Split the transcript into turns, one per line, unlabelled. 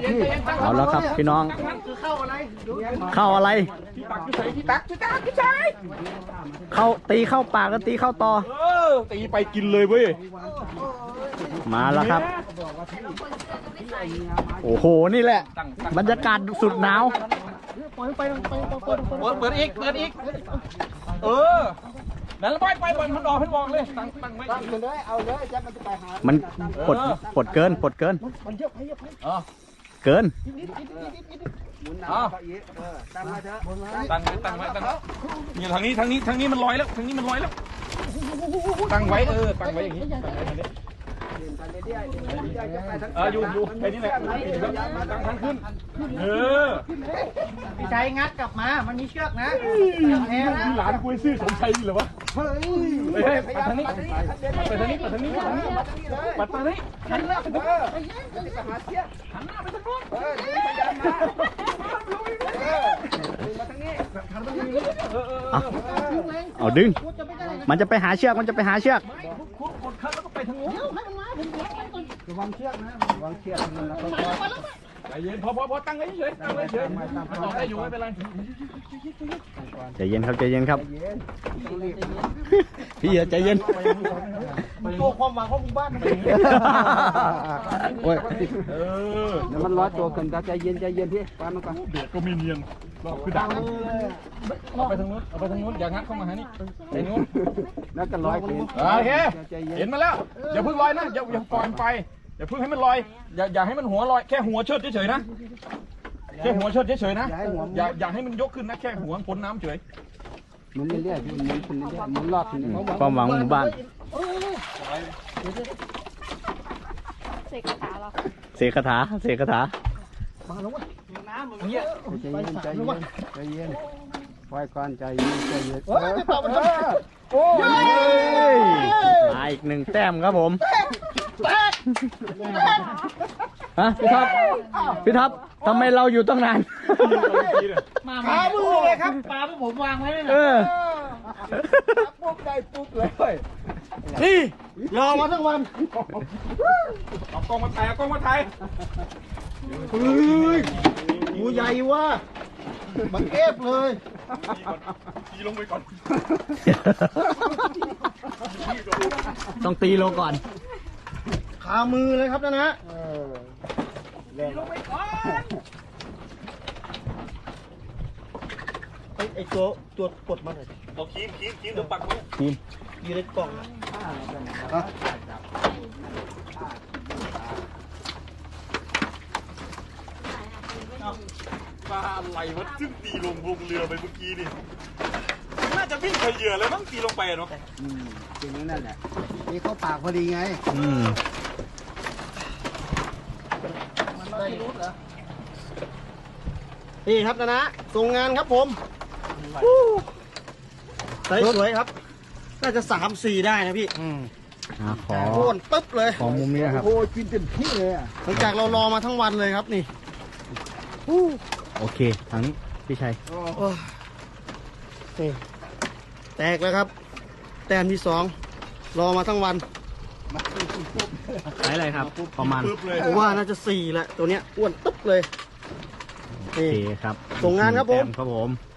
พี่
เอาแล้วครับพี่น้องเข้าอะไรเข้าตีเข้าปากแล้วตีเข้าต่อ
ตีไปกินเลยเว้ย
มาแล้วครับโอ้โหนี่แหละบรรยากาศสุดหนาว
เปิดอีกนั่นไปมันออกให้บอกเลยตั้งไว้
เอาเลยแจ๊คมันจะไปหา
มันปดเกิน
มันเยอะไป
เกิน
ตั้งไว้เถอะ
ตั้งไว้นี่ทางนี้มันลอยแล้วตั้งไว้อย่างนี้อยู่ไปนี่แหละตั้งทางขึ้น
พี่ชัยงัดกลับมามันมีเชือกนะ
หลานคุยซื่อสมชัยเหรอวะเฮ้ยไปทางนี้ปัดทางนี้หันหน้าไปทางโน้น
เอาดึงมันจะไปหาเชือก
กดคันแล้วก็ไปทางโน้น
ระวังเชือกนะ
ใจเย็นพอตั้งไว้เฉยต่อได้อยู่ไม่เป็นไร
ใจเย็นครับพี่ใจเย็น
มันโตความหวังของหมู่บ้าน
โอ้ย
แล้วมันร้อยตัวกันใจเย็นพี่ปามันก่อน
เดือดก็มีเนียนคือดังเอาไปทางนู้นอย่างัดเข้ามาหานี่ไปนู้น
แล้วก็ร้อยขึ้น
โอเคเห็นมาแล้วอย่าเพิ่งลอยนะอย่าปล่อยไปอย่าเพิ่งให้มันลอยอย่าให้มันหัวลอยแค่หัวเชิดเฉยๆนะแค่หัวเชิดเฉยๆนะอย่าให้มันยกขึ้นนะแค่หัวพ้นน้ำเฉย
มันเรื่อยๆมันรอบทีนี้
ความหวังหมู่บ้านเสกคาถา
มาลงวะน้ำมันเงี้ยใจเย็นปล่อยก่อนใจเย็น
โอ้ยมาอีก1 แต้มครับผมฮะพี่ท็อปทำไมเราอยู่ตั้งนาน
ขามือเลยครับปลาพวกผมวางไว้เลยปุ๊บได้ปุ๊บเลยนี่รอมาทั้งวัน
เอากล้องมาถ่าย
เฮ้ยหมูใหญ่ว่ะมันเอฟเลย
ตีลงไปก่อน
ต้องตีลงก่อน
ขามือเลยครับนะ
ตีลงไปก่อน
ไอ้ตัวกดมาหน่อย
เอาคีมเดี๋ยวปักไว้
อยู่ในกล่อง
ปลาอะไรวะซึ่งตีลงเรือไปเมื่อกี้นี่น่าจะวิ่งไปเหยื่อเลยมั้งตีลงไปเนาะ
จริงนั่นแหละนี่เข้าปากพอดีไงมันไม่รู้เหรอนี่ครับนะส่งงานครับผมสวยครับน่าจะ3-4ได้นะพี่
ขอ
โอนปึ๊บเลย
ของมุมนี้ครับ
โอ้กินเต็มที่เลยหลังจากเรารอมาทั้งวันเลยครับนี่
โอเคทางนี้พี่ชัย
นี่แตกแล้วครับแต้มที่2รอมาทั้งวัน
ใช้อะไรครับประมาณ
ผมว่าน่าจะ4แหละตัวเนี้ยอ้วนตึ๊บเลย
โอเคครับ
ส่งงานครับผม